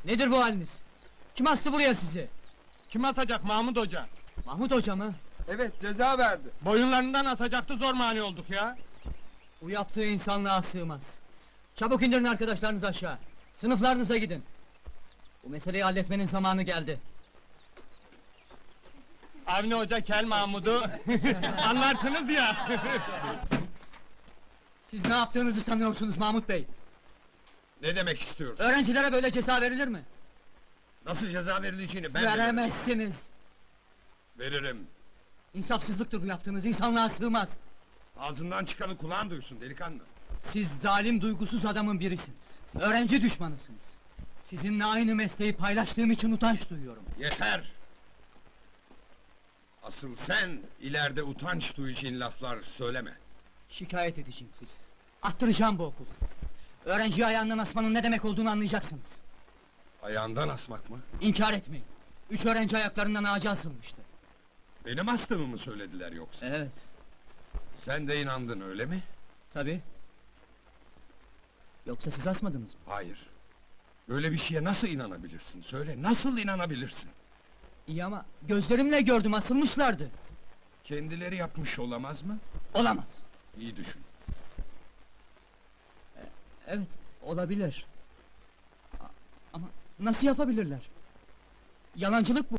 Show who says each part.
Speaker 1: Nedir bu haliniz? Kim astı buraya sizi?
Speaker 2: Kim asacak Mahmut Hoca?
Speaker 1: Mahmut Hoca mı?
Speaker 3: Evet, ceza verdi.
Speaker 2: Boyunlarından asacaktı, zor mani olduk ya.
Speaker 1: Bu yaptığı insanlığa sığmaz. Çabuk indirin arkadaşlarınızı aşağı. Sınıflarınıza gidin. Bu meseleyi halletmenin zamanı geldi.
Speaker 2: Avni Hoca kel Mahmud'u anlarsınız ya.
Speaker 1: Siz ne yaptığınızı sanıyorsunuz Mahmut Bey?
Speaker 4: Ne demek istiyorsun?
Speaker 1: Öğrencilere böyle ceza verilir mi?
Speaker 4: Nasıl ceza verileceğini ben de
Speaker 1: Veremezsiniz.
Speaker 4: veririm.
Speaker 1: İnsafsızlıktır bu yaptığınız, insanlığa sığmaz.
Speaker 4: Ağzından çıkanı kulağın duysun delikanlı.
Speaker 1: Siz zalim, duygusuz adamın birisiniz. Öğrenci düşmanısınız. Sizinle aynı mesleği paylaştığım için utanç duyuyorum.
Speaker 4: Yeter! Asıl sen ileride utanç duyacağın laflar söyleme.
Speaker 1: Şikayet edeceğim sizi. Attıracağım bu okulu. Öğrenciyi ayağından asmanın ne demek olduğunu anlayacaksınız.
Speaker 4: Ayağından asmak mı?
Speaker 1: İnkar etmeyin. 3 öğrenci ayaklarından ağaca asılmıştı.
Speaker 4: Benim astığımı mı söylediler yoksa?
Speaker 1: Evet,
Speaker 4: Sen de inandın öyle mi?
Speaker 1: tabii. Yoksa siz asmadınız mı?
Speaker 4: Hayır. Böyle bir şeye nasıl inanabilirsin? Söyle, nasıl inanabilirsin?
Speaker 1: İyi ama gözlerimle gördüm, asılmışlardı.
Speaker 4: Kendileri yapmış olamaz mı?
Speaker 1: Olamaz.
Speaker 4: İyi düşün.
Speaker 1: Evet, olabilir. Ama nasıl yapabilirler? Yalancılık bu.